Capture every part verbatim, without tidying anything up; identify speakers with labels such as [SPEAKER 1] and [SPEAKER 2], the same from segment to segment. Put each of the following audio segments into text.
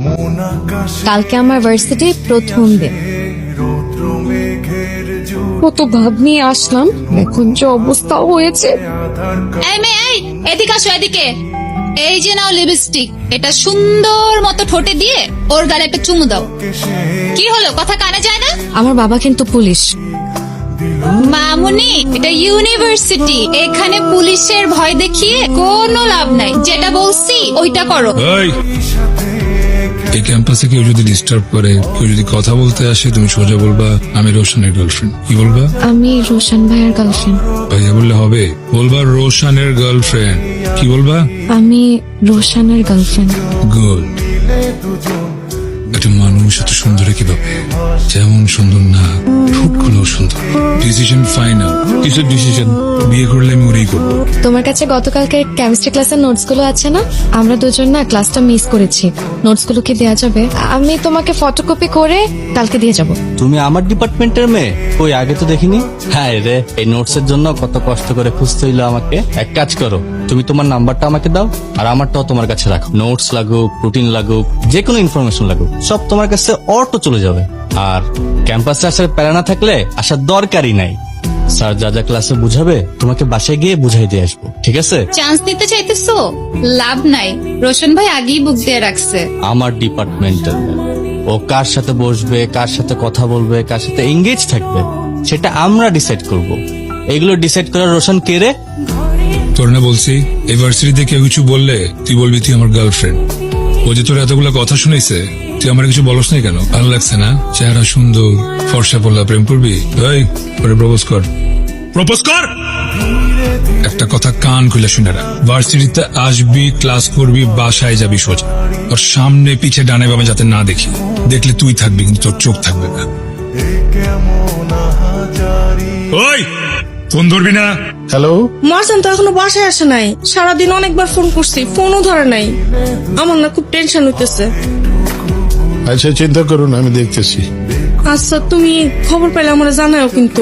[SPEAKER 1] কালকে আমার ভার্সিটির প্রথম দিন, কত ভাব নিয়ে আসলাম, এখন যে অবস্থা হয়েছে।
[SPEAKER 2] এই মেয়ে, এই এদিকে আসো, এদিকে। এই যে নাও লিপস্টিক, এটা সুন্দর মতো ঠোঁটে দিয়ে ওর গালে একটা চুমু দাও। কি হলো, কথা কানে যায় না?
[SPEAKER 1] আমার বাবা কিন্তু পুলিশ।
[SPEAKER 2] মামুনি, এটা ইউনিভার্সিটি, এখানে পুলিশের ভয় দেখিয়ে কোনো লাভ নাই। যেটা বলছি ওইটা করো।
[SPEAKER 3] এই, এই ক্যাম্পাসে কেউ যদি ডিস্টার্ব করে, কেউ যদি কথা বলতে আসে, তুমি সোজা বলবা আমি রোশনের গার্লফ্রেন্ড। কি বলবা?
[SPEAKER 1] আমি রোশন ভাইয়ের গার্লফ্রেন্ড।
[SPEAKER 3] ভাইয়া বললে হবে? বলবা রোশনের গার্লফ্রেন্ড। কি বলবা?
[SPEAKER 1] আমি রোশনের গার্লফ্রেন্ড।
[SPEAKER 3] গুড। একটা মানুষ এত সুন্দর কিভাবে, যেমন সুন্দর না, ঠোঁটগুলো সুন্দর। Decision final. কিসের ডিসিশন? বিয়ে করলে আমি ওরেই করবো।
[SPEAKER 1] তোমার কাছে গতকালকে কেমিস্ট্রি ক্লাসের নোটস গুলো আছে না? আমরা দুজন না ক্লাসটা মিস করেছি। নোটস গুলো কি দেওয়া যাবে? আমি তোমাকে ফটোকপি করে কালকে দিয়ে যাব।
[SPEAKER 4] তুমি আমার ডিপার্টমেন্টের মেয়ে? ওই আগে তো দেখিনি। হ্যাঁ রে, এই নোটস এর জন্য কত কষ্ট করে খুঁজতে হইলো আমাকে। এক কাজ করো, তুমি তোমার নাম্বারটা আমাকে দাও, আর আমারটাও তোমার কাছে রাখো। নোটস লাগুক, রুটিন লাগুক, যে কোনো ইনফরমেশন লাগুক, সব তোমার কাছে অটো চলে যাবে। আর ক্যাম্পাসে আসার প্যারা না থাকলে আসার দরকারই নাই। স্যার যা যা ক্লাসে বুঝাবে তোমাকে বাসায় গিয়ে বুঝাই দিয়ে আসবো, ঠিক আছে?
[SPEAKER 2] চান্স নিতে চাইতেছো? লাভ নাই, রোশন ভাই আগেই বুক দিয়ে রাখছে।
[SPEAKER 4] আমার ডিপার্টমেন্টের ও কার সাথে বসবে, কার সাথে কথা বলবে, কার সাথে এঙ্গেজ থাকবে, সেটা আমরা ডিসাইড করব। এগুলো ডিসাইড করার রোশন কে রে?
[SPEAKER 3] তোর না বলছি, এই ভার্সিটিতে কেউ কিছু বললে তুই বলবি তুই আমার গার্লফ্রেন্ড। ও যে তোর এতগুলো কথা শুনেছে, তুই আমার কিছু বলস নাই কেন? ভালো লাগছে না? চেহারা সুন্দর, ফর্সা পড়লা, প্রেম করবি? এই, পরে প্রপোজ কর। প্রপোজ কর। একটা কথা কান খুলে শুনে রাখ, ভার্সিটিতে আসবি, ক্লাস করবি, বাসায় যাবি সোজা। ওর সামনে পিছে ডানে বামে যাতে না দেখি। দেখলে তুই থাকবি, কিন্তু তোর চোখ থাকবে না। ওই, ফোন ধরবি না।
[SPEAKER 5] হ্যালো,
[SPEAKER 6] মারজান তো এখনো বাসায় আসে নাই। সারাদিন অনেকবার ফোন করছি, ফোনও ধরে নাই। আমার না খুব টেনশন হইতেছে।
[SPEAKER 5] আচ্ছা চিন্তা করুন, আমি দেখতেছি।
[SPEAKER 6] আচ্ছা, তুমি খবর পেলে আমরা জানাও কিন্তু।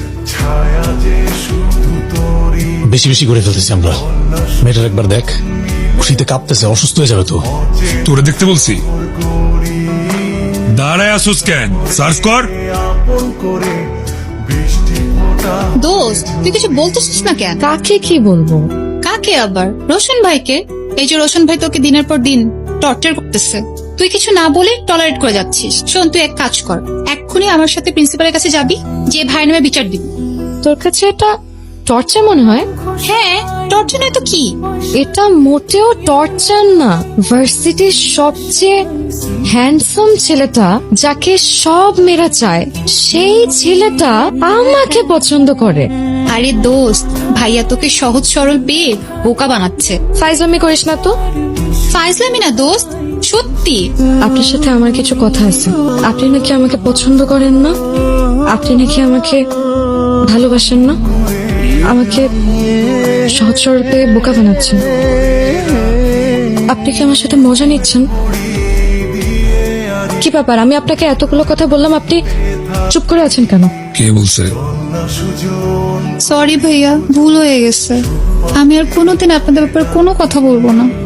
[SPEAKER 7] বেশি বেশি করে ফেলতেছি আমরা। মেয়েটার একবার দেখ, খুশিতে কাঁপতেছে, অসুস্থ হয়ে যাবে তো।
[SPEAKER 3] তোরে দেখতে বলছি, দাঁড়ায় আসুস কেন? সার্চ কর।
[SPEAKER 2] দোস্ত, তুই কিছু বলতেছিস না কেন?
[SPEAKER 1] কাকে কি বলবো?
[SPEAKER 2] কাকে আবার? রোশন ভাইকে। এই যে রোশন ভাই তোকে দিনের পর দিন টর্চার করতেছে, তুই কিছু না বলে টলারেট করে যাচ্ছিস। শোন, তুই এক কাজ কর, এক্ষুনি আমার সাথে প্রিন্সিপালের কাছে যাবি, যে ভাই নামে বিচার দিবি।
[SPEAKER 1] তোর কাছে এটা টর্চার মনে হয়?
[SPEAKER 2] হ্যাঁ, টর্চার নয় তো কি?
[SPEAKER 1] এটা মোটেও টর্চার না। ভার্সিটির সবচেয়ে হ্যান্ডসাম ছেলেটা, যাকে সব মেয়েরা চায়, সেই ছেলেটা আমাকে পছন্দ করে।
[SPEAKER 2] আরে দোস্ত, ভাইয়া তোকে সহজ সরল পেয়ে বোকা বানাচ্ছে।
[SPEAKER 1] ফাইজলামি করিস না তো।
[SPEAKER 2] ফাইজলামি না দোস্ত, সত্যি।
[SPEAKER 1] আপনার সাথে আমার কিছু কথা আছে। আপনি নাকি আমাকে পছন্দ করেন না, আপনি নাকি আমাকে ভালোবাসেন না, আমাকে সহজ সরল পেয়ে বোকা বানাচ্ছেন। আপনি কি আমার সাথে মজা নিচ্ছেন? কি ব্যাপার, আমি আপনাকে এতগুলো কথা বললাম, আপনি চুপ করে আছেন কেন?
[SPEAKER 3] কে বলছে?
[SPEAKER 2] সরি ভাইয়া, ভুল হয়ে গেছে। আমি আর কোনোদিন আপনাদের ব্যাপারে কোনো কথা বলবো না।